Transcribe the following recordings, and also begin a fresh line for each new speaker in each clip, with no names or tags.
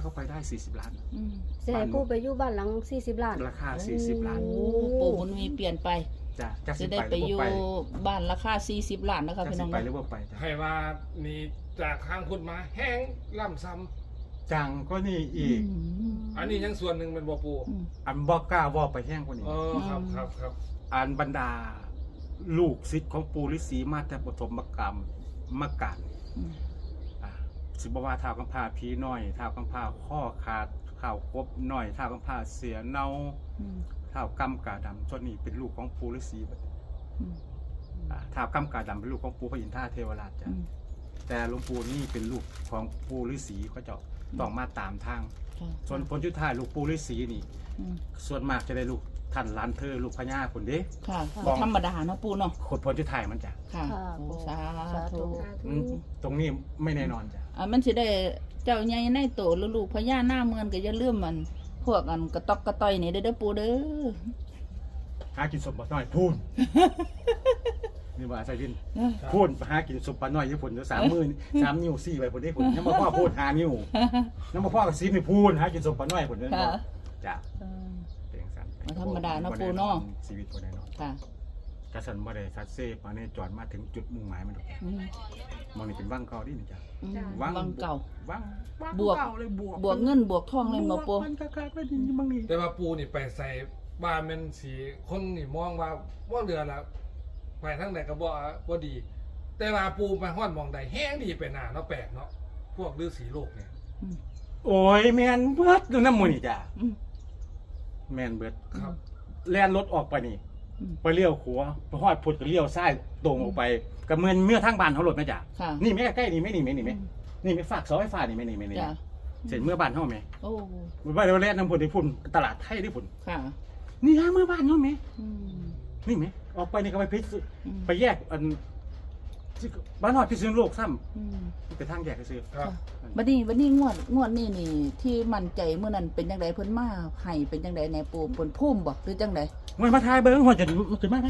เข้าไปได้40 ล้าน
สิให้ปู่ไปอยู่บ้านหลัง40 ล้าน
ราคา40 ล้าน
โอ้ปู่บุญมีเปลี่ยนไป
จ้ะจัก
จะ
สิ
ได้
ไป
ไป
หรือ
อยู่
บ่ไป
บ้านราคา40 ล้านนะคะ
จัก
พี่
สิ
น้อง
ไปหรือบ่ไปจ้ะ
ให้ว่านี่จากทางคุณมาแห้งล่ำซ้
จังก็นี่อีก
ำอันนี้ยังส่วนหนึ่งเป็นบ่ปู
อันบ่กล้าว่าไปแห้งกว่านี้
ครับ
อันบรรดาลูกศิษย์ของปู่ฤาษีมาแต่ปฐมกรรมมากันสิบว่าท้าวกำพร้าผีน้อยท้าวกำพร้าข้อขาดท้าวกบน้อยท้าวกำพร้าเสียเนาท้าวกำกาดำส่วนนี้เป็นลูกของปู่ฤาษีท้าวกำกาดำเป็นลูกของปู่พระอินทราเทวราชจ้ะแต่หลวงปู่นี่เป็นลูกของปู่ฤาษีเขาจะต้องมาตามทางส่วนผลชุดท้ายลูกปู่ฤาษีนี่ส่วนมากจะได้ลูกท่านล้านเธอลูกพญาคนเด้
ค่ะธรรมดาเนาะปู่เนาะ
คนผลชุดท้ายมันจ้ะ
ค่ะโอ้สาธุ
ตรงนี้ไม่แน่นอนจ้ะ
มันสิได้เจ้าใหญ่ในโตหรือลูกพญาหน้าเมืองก็อย่าลืมมันพวกอันกระตอกกระต้อยนี่เด้อปู่เด้อ
หากินสมบัติน้อยพูนนี่ว่าใส่ดินพูนหากินสมบัติน้อยญี่ปุ่นจะ3 มือ3 นิ้ว4ไปผลได้ผลยังมาพ่อพูด5 นิ้วยังมาพ่อกับซีนี่พูนหากินสมบัติน้อยผลนั่นจ้ะเป็นสัน
ธรรมดาเนาะปู่เนาะ
ชีวิตคนแน่นอน
ค่ะ
กระสันบ่ได้ซัดเซ่มาเนี่ยจอดมาถึงจุดมุ่งหมายมันมองนี่เป็นวังเก่าดินี่จ้ะ
วังเก่า
วัง
บวก
เก่าเลยบวก
เงินบวกทองเลยบ่ปู่
มันขาดไม่ดีบางนี่
แต่ว่าปูนี่ไปใส่บ้านเป็นสีคนนี่มองว่าเรือละไปทั้งไหนก็บ่ดี แต่ว่าปูไปห้อนมองใดแห้งดีไปหนาเนาะแปลกเนาะพวกฤาษีโลกเนี่ย
โอ้ยแมนเบิดดูน้ำมูนี่จ้ะแมนเบิด
ครับ
แล่นรถออกไปนี่ไปเลี้ยวขวาไปฮอดพุทธก็เลี้ยวซ้ายตรงออกไปกับเมื่อทางบ้านเขารถไหมจ้ะ
ค่ะ
นี่ไม่ใกล้ๆนี่ไม่นี่ไม่ฝากเสาไฟฟ้านี่ไม่นี่
จ้ะ
เสร็จเมื่อบ้านเขาไหม
โอ้
ว่าเราแล่นน้ำพุทธที่พุ่นตลาดไทยที่พุ่น
ค่ะ
นี่ฮะเมื่อบ้านเขาไหม
อืม
นี่ไหมออกไปนี่ก็ไปพิษ
อืม
ไปแยกอันบ้านหอดพิษณุโลกซ้
อืม
ำไปทางแยกก็ซื้อ
ครับ
บัดนี้งวดนี่ที่มั่นใจเมื่อนั้นเป็นจังไดเพิ่นมาให้เป็นจังไดแหน่ปู่เพิ่นพุ่มบ่หรือจังได
มันมาทายเบิ้งหัวจะขึ้นมา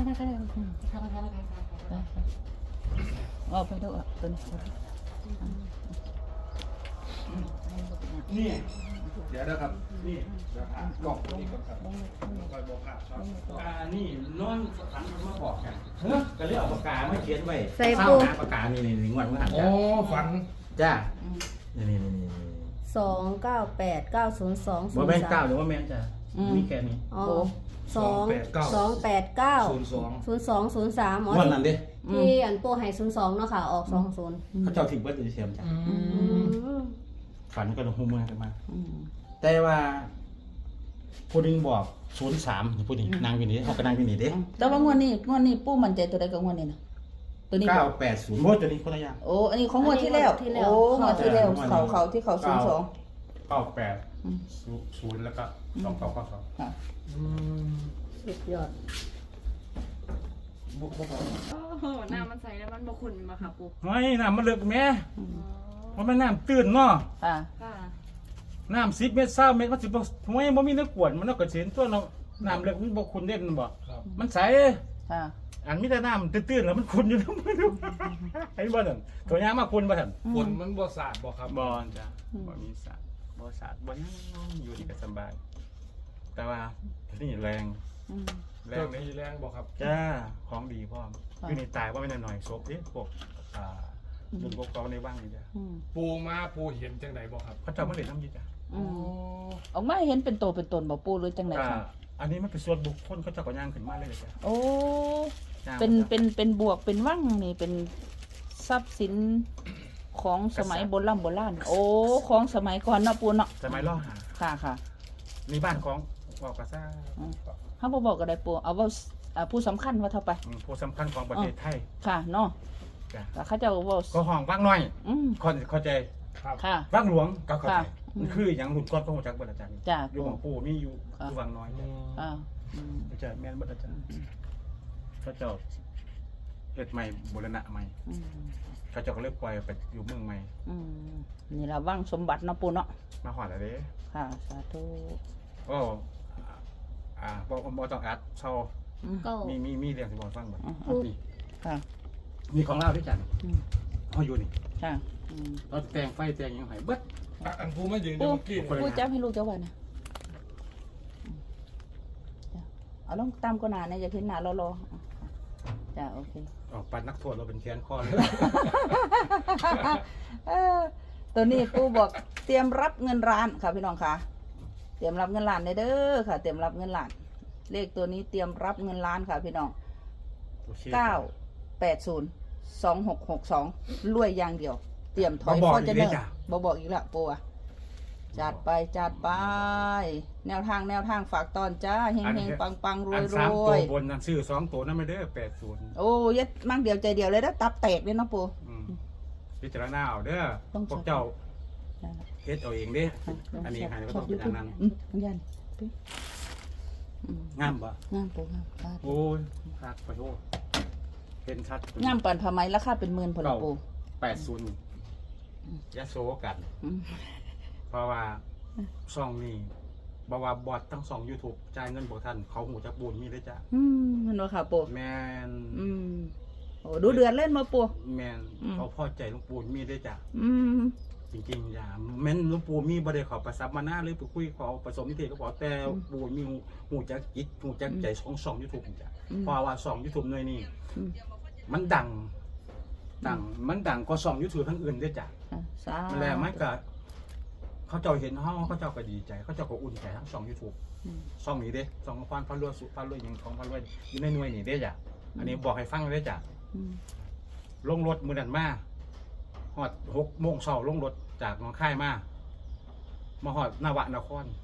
อ๋อไปดูตัวนี้
นี่
เดี๋ยวนะครับ
นี่
กล่องนี้ก่อนครับคอยบอกครับครับ
นี่นอนขันมาบอกกันก็เรียกเอาปากกาไม่เขียนไว้
ใส่
เศร้า
ปู
หาปากกานี่งวดเมื่อหัน
โอ้ฝัน
จ้านี่
29890203
ว่าแม่นเก้าหรือว่าแม่นจ้ามีแค่นี้
อ๋อ289 0203อ๋อง
วดนั้นเด้
ที่อันปู่ให้02เนาะค่ะออก20
เขาเจ้าถึงเบิดอยู่เทียมจ้าฝันก็ลงหูมือกันมา
อืม
แต่ว่าผู้นึงบอก03ผู้นี้นางวินีเขาก็นางวินีเด้
แต่ว่างวดนี้ปู่มั่นใจตัวใดกับงวดนี้นะตัวนี้บ่
980โมดตัวนี้คนละอย่าง
โอ้อันนี้ของงวดที่แล้วโอ้งวดที่แล้วเขาที่เขา02
98 0แล้วก็2992
ค่ะ
สุดยอด
บุกบ่
โอ้โหน้ำมันใสแล้วมันบขุ่นมาค่ะปุ๊บ
ไม่น้ำมันเลิกแม่มันเป็นน้ำตื้นเนาะ
ค่ะ
ค่ะ
น้ำ10 เมตร20 เมตรมันสิบ่ห้วยบ่มีน้ำกวนมันเนาะก็สิเห็นตัวเนาะน้ำเลิกมันบ่ขุ่นเด่นบ่
ครับ
มันใส
ค่ะ
อันมีแต่น้ำตื้นๆแล้วมันขุ่นอยู่ทั้งมือไอ้บ่นั่นตัวยางมาขุ่นบ่ทัน
ฝนมันบ่สาดบ่ครับ
บ่จ้ะบ่มีสารบ่สาดบ่หยังอยู่นี่ก็สบาย แต่ว่านี่แรง
อืม
แร
เรื่อง งนี้แรงบ่ครับ
จ้าของดีพร้อมอยู่นี่ตายว่าไม่นหน่อยศพเด้พวกรุ่นพวกเขาในบ้างนี่จ้ะ
อืม
ปูมาปูเห็นจังไหนบ่ครับ
เขาเจ้ามาเล่นน้ำยีจ้ะ
อืมออกมาเห็นเป็นโตเป็นตนบ่ปู่หรือจังไดค่ะ
อันนี้มันเป็นส่วนบุคคลเขาเจ้าก็ย่างขึ้นมาเลยจ้ะ
โอ้
ย่าง
เป็นบวกเป็นว่างนี่เป็นทรัพย์สินของสมัยโบราณโอ้ของสมัยก่อนเนาะปู่เนาะ
สมัยล่อหา
ค่ะค่ะ
มีบ้านของบอกกระซ่า
เฮาบ่บอกก็ได้ปู่เอาเว่าผู้สำคัญว่าเท่าไป
ผู้สำคัญของประเทศไทย
ค่ะเนาะ
จ้ะ
แต่เขาเจ้าเว้า
ก็ห้องว่างน้อย
อืม
คนเข้าใจ
ครับ
ค่ะ
ว่างหลวงก็เข้าใจ
ค่ะ
มันคืออย่างหลุดก้อนพระหัวจักรบรอาจารย์
จ้ะ
อยู่ของปู่มีอยู่ว่างน้อย
อ่าอืม
อาจารย์แม่นบ่อาจารย์เขาเจ้าเฮ็ดใหม่บูรณะใหม่
อืม
เขาเจ้าก็เลยปล่อยไปอยู่เมืองใหม่
อืมนี่ล่ะว่างสมบัติเนาะปู่เนาะ
มาฮอดแล้วเด้
ค่ะสาธุ
ก็บ่ต้องอัดเซา
อืม
ก็
มีเรื่องสิบอกฟังบ่
อืม
นี่
ค่ะ
นี่ของเราด้วยจัน
อืม
เฮาอยู่นี่
ค่ะอืม
ตอนแต่งไฟแต่งหยังไงเบิด
อันปูมายืน
ปู
เมื่อกี้
คนละ
ปูจับให้ลูกเจ้าวันนะเอาลงตามก็นานนะอย่าเห็นหน้ารอจ้ะโอเค
ออกปัดนักโทษเราเป็นแขนคอเลย
ตัวนี้ปูบอกเตรียมรับเงินล้านค่ะพี่น้องค่ะเตรียมรับเงินล้านเด้อค่ะ เตรียมรับเงินล้าน เลขตัวนี้เตรียมรับเงินล้านค่ะพี่น้อง
โอเค
9802662รวยอย่างเดียว เตรียมถอย
บ่บอก
ฟอร์จูเนอ
อีกเลย
ร์
จ้ะ
บ่บอกอีกและปูอะจัดไปจัดไป แนวทางฝากตอนจ้าเฮงปังรว
อั
ย
น
ร
3
ว
ตัวย บนนั่นซื้อ2ตัวนั่นไม่ได้80
โอ้ยัดมั่งเดียวใจเดียวเลยนะตับแตกเลยเนาะปู
พิจารณาเอาเด้อ
ต้อง
พวกเจ้าเฮ็ดเอาเองเด้อันนี้ให้ก็ต้องเป็นอย่างนั้น
ยันอืม
งามบ่
งามปูงาม
โอ้ยคักไปโทษเห็นชัด
งามปานผ้าไหมราคาเป็นหมื่นพอละปู
80ยะโสกัน
อืม
เพราะว่าช่องนี้บอกว่าบอดทั้งสอง YouTube จ่ายเงินบ่ทันเขาหูจักบุญมีเด้อจ้ะ
มันว่าค่ะปู
แม่น
โอ้ดูเดือนเล่นมาปู
แม่น
อืม
เขาพอใจหลวงปู่มีเด้อจ้ะ
อืม
จริงๆอย่าแม่นหลวงปู่มีบ่ได้เขอประสับมาหน้าหรือไปคุยขอผสมนิเทศก็บอกแต่ปู่มีหูจักจิตหูจักใจของช่อง YouTube จ้ะเพราะว่าช่อง YouTube หน่วยนี้
อืม
มันดังมันดังกว่าช่อง YouTube ทั้งอื่นเด้อจ้ะ
ค่ะสาธุ
แล้วมันก็เขาเจ้าเห็นเฮาเขาเจ้าก็ดีใจเขาเจ้าก็อุ่นใจทั้งช่อง YouTube
อืม
ช่องนี้เด้ช่องพันรวยสุพันรวยยังของพันรวยอยู่ในหน่วยนี่เด้จ้ะอันนี้บอกให้ฟังเด้จ้ะ
อืม
ลงรถมื้อนั้นมาฮอด6 โมงเช้าลงรถจากหนองคายมาฮอดนาวะนคร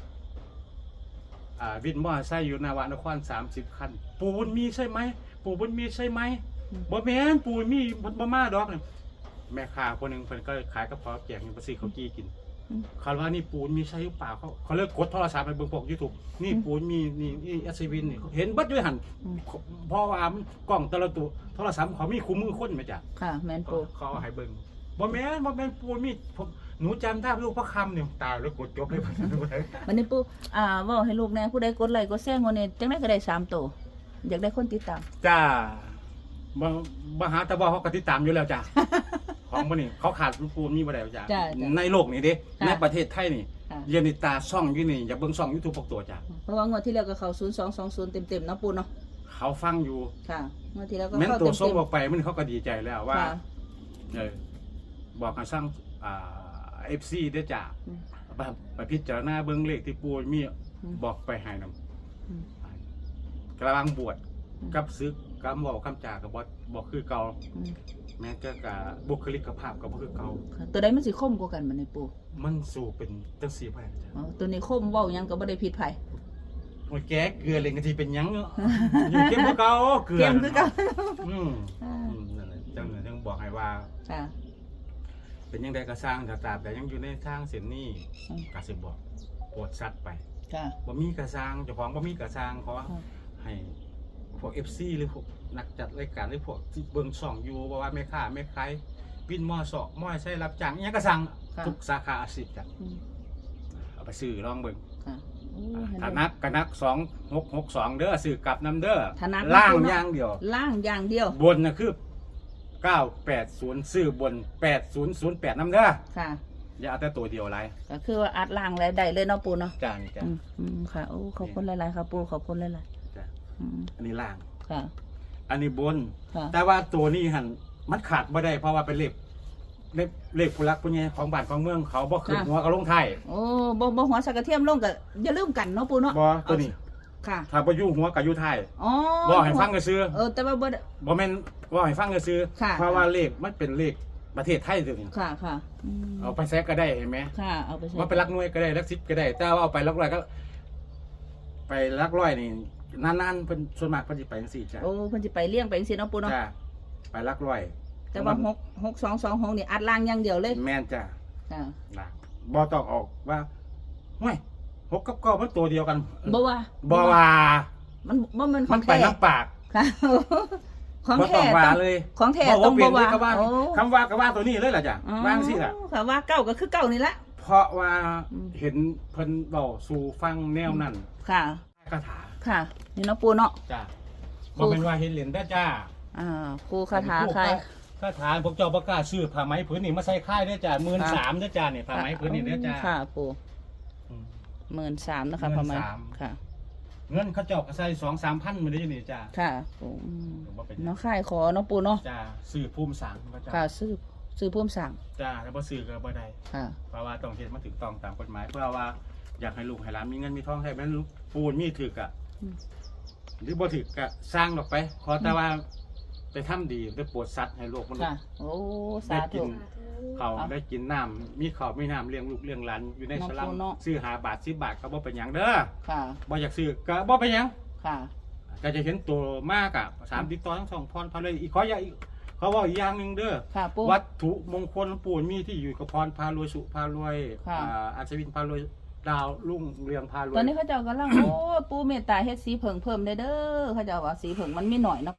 วินมอเตอร์ไซค์อยู่นาวะนคร30 คัน ปู่บุญมีใช่ไหมปู่บุญมีใช่ไหมบ่แม่นปู่บุญมีบ่มาดอกนี่แม่ค้าคนหนึงเพิ่นก็ขายกระเพาะแกงอยู่ไปซื้อข้าวจี้กิน เขาว่านี่ปูนมีใช่หรือเปล่าเขาเลิกกดโทรศัพท์ไปเบิ่งพวก YouTube นี่ปูนมีนี่อัศวินนี่เห็นเบัดด้วยหันเพราะว่ากล้องแต่ละตัวโทรศัพท์เขามีคู่มือคนไหมจ๊ะ
ค่ะแมนปู
เขาเอาให้เบิ่งบ่แม่นปูนมีผมหนูจำได้ลูกพระคำเนี่ยตายแล้วกดจบเลย
วันนี้ปูเว่าให้ลูกแน่ผู้ใดกดไลค์กดแซงวันนี้จังได้ก็ได้3ตัวอยากได้คนติดตาม
จ้าบ่หาแต่บ่เขาก็ติดตามอยู่แล้วจ้ะ ของบ่นี่เขาขาดปูนมีบ่ได้จ้ะ
จ้ะ
ในโลกนี้เด้
ค่ะ
ในประเทศไทยนี่
ค่ะ
เรียนในตาช่องอยู่นี่อย่าเบิ่งช่อง YouTube พวกตัวจ้ะ
เพราะว่างวดที่แล้วก็เข้า0220เต็มๆเนาะปูเนาะ
เขาฟังอยู่
ค่ะงวดที่แล้วก็
แม้น
เข้า
ตัว
เต็
ส่ง
ม
ออกไปมันเขาก็ดีใจแล้ว
ๆ
ว่า
ค่ะ
บอกให้สร้างFC ได้จ้ะ
อืม
ไปพิจารณาเบิ่งเลขที่ปูมี
อืม
บอกไปให้นำ
อืม
กำลังบวช
อืม
กับซึกกับเว้าคำจากับ่คือเก่า
อืม
แม้แต่กะบุคลิกภาพก็บ่คือเก่า
ค่ะตัวใดมันสิคมกว่ากันบัดนี้ปู
มันสู่เป็นจังซี่ไปจ้ะ
อ๋อตัวนี้คมเว้าหยังก็บ่ได้ผิดไผ
โอ้ยแกเกลือเลยก็สิเป็นหยังเนาะอยู่เข้มกว่าเก่าเกลือ
เกมคือกัน
อืมนั่นแหละจังบอกให้ว่า
ค่ะ
เป็นยังไงก็สร้างถ้าตราบแต่ยังอยู่ในทางเส้นนี้
อืม
ก็สิบอกโปรดสัตว์ไป
ค่ะ
บ่มีกระสร้างเจ้าของบ่มีกระสร้างขอ
อืม
ให้พวก FC หรือพวกนักจัดรายการหรือพวกที่เบิ่งช่องอยู่บ่ว่าแม่ค้าแม่ขายวินมอสอกมอใช้รับจ้างอิหยังก็สั่ง
ค่ะ
ทุกสาขาอาชีพจ้ะ
อืม
เอาไปซื้อลองเบิ่ง
ค่ะโอ้ให้
ถ้า
ได้
นักก็นัก2662เด้อซื้อกลับนํเด้อ
ถ้านัก
ล่าง
ก็นัก
อย่างเดียว
ล่างอย่างเดียว
บนน่ะคือ980ซื้อบน8008นํเด้อ
ค่ะ
อย่าเอาแต่ตัวเดียวหลาย
ก็คือว่าอัดล่างแล้วได้เลยเนาะปูเนาะ
จ้านี่จ้ะ
ค่ะโอ้ขอบคุณหลายๆครับปูขอบคุณหลาย
จ้ะ
ๆอืม
อันนี้ล่าง
ค่ะ
อันนี้บน
ค่ะ
แต่ว่าตัวนี้หันมันขาดบ่ได้เพราะว่าเป็นเลขผู้รักผู้ใหญ่ของบ้านของเมืองเขาบ่ขึ้นหัวก็ลงท้าย
โอ้บ่หัวสักกระเทียมลงก็อย่าลืมกันเนาะปูเนาะ
บ่ตัวนี้
ค่ะ
ถ้าบ่อยู่หัวก็อยู่ท้าย
อ๋อ
บ่ให้ฟังก็ซื้อ
แต่ว่าบ่ได้
บ่แม่นบ่ให้ฟังก็ซื้อ
ค่ะ
เพราะว่าเลขมันเป็นเลขประเทศไทยตัวนี้
ค่ะค่ะอืม
เอาไปแซกก็ได้เห็นไหม
ค่ะเอาไปใช้
ว่าไปลักหน่วยก็ได้ลัก10ก็ได้ แต่ว่าเอาไปลักร้อยก็ ไปลักร้อยนี่นานๆเพิ่นส่วนมากเพิ่นสิไปจังซี่จ้ะ
โอ้เพิ่นสิไปเลี้ยงไปจังซี่เนาะปูเนาะ
จ้ะไปลักร้อย
แต่ว่า6226นี่อัดล่างอย่างเดียวเลย
แม่นจ้ะ
ค่ะ
นะบ่ต้องออกว่าห้วย6กับ9มันตัวเดียวกัน
บ่ว่า
บ่ว่า
มันบ่มันข
มั
อน ง
ไป
แท้
น้ำปาก
ค่ะ ของ
บ่
แท้
ต้องว่า
ต้อง
เลย
ของแท้
บ่
ต้อง
เปลี่
บ่
ยนเลย
ว่า
ก็ว่า
โอ้
คำว่าก็ว่าตัวนี้เลยล่ะจ้ะ
อ๋อ
วางสิล่ะ
ค่ะว่าเก้าก็คือเก้านี่ละ
เพราะว่า
อืม
เห็นเพิ่นเว้าสู่ฟังแนวนั้น
ค่ะ
คาถา
ค่ะ นี่เนาะปูเนาะ
จ้ะบ่เป็นว่าเห็นเหรียญได้อจ้า
ครูคาถาใคร
ถ้าถามพวกเจ้าประกล้าศซื้อผ้าไหมผืนนี้มาใส่ค่ายเด้อจ้า13,000เด้อจ้าเนี่ยผ้าไหมผืนนี้เด้อจ้า
ค่ะปู
อืม
13,000นะคะประมาณ
13,000
ค่ะ
เงินเขาเจ้าก็ใส่2-3,000มื้อนี้นี่จ้า
ค่ะปู
บ่เป็น
เนาะค่ายขอเนาะปูเนาะ
จ้าซื้อภูมิสังก็จ้า
ค่ะซื้อพุ่มสั่ง
จ้าแล้วบ่ซื้อก็บ่ได้
ค่ะ
เพราะว่าต้องเฮ็ดมาถูกต้องตามกฎหมายเพื่อว่าอยากให้ลูกให้หลานมีเงินมีทองให้แม่นลูกปูนมีถึกอ่ะ
อืม
หรือบ่ถึกก็สร้างออกไป ขอแต่ว่าไปทำดีไปโปรดสัตว์ให้โลกมนุษ
ค่ะ
ย์
โอ้
ได้
สา
กิ
ธุ
นเขาวได้กินน้ำมีข้าวมีน้ำเลี้ยงลูกเลี้ยงหลานอยู่ใน
น้อง
สลัม
ปูเนาะ
ซื้อ5 บาท10 บาทก็บ่เป็นหยังเด้อ
ค่ะ
บ่อยากซื้อก็บ่เป็นหยัง
ค่ะ
ก็จะเห็นตัวมากอ่ะ3ติดต่อทั้งสองพรพาเลยอีกขออย่าอีกเขาว่าอีกอย่างหนึงเด้อ
ค่ะปู
วัตถุมงคลปูนมีที่อยู่กับพรพารวยสุพารวย
ค่ะ
อัศวินพารวยดาวรุ่งเรืองพารวย
ตอนนี้เขาเจ้ากำลัง โอ้ปูเมตตาเฮ็ดสีเผิงเพิ่มได้เด้อเขาเจ้าว่าสีเผิงมันมีหน่อยเนาะ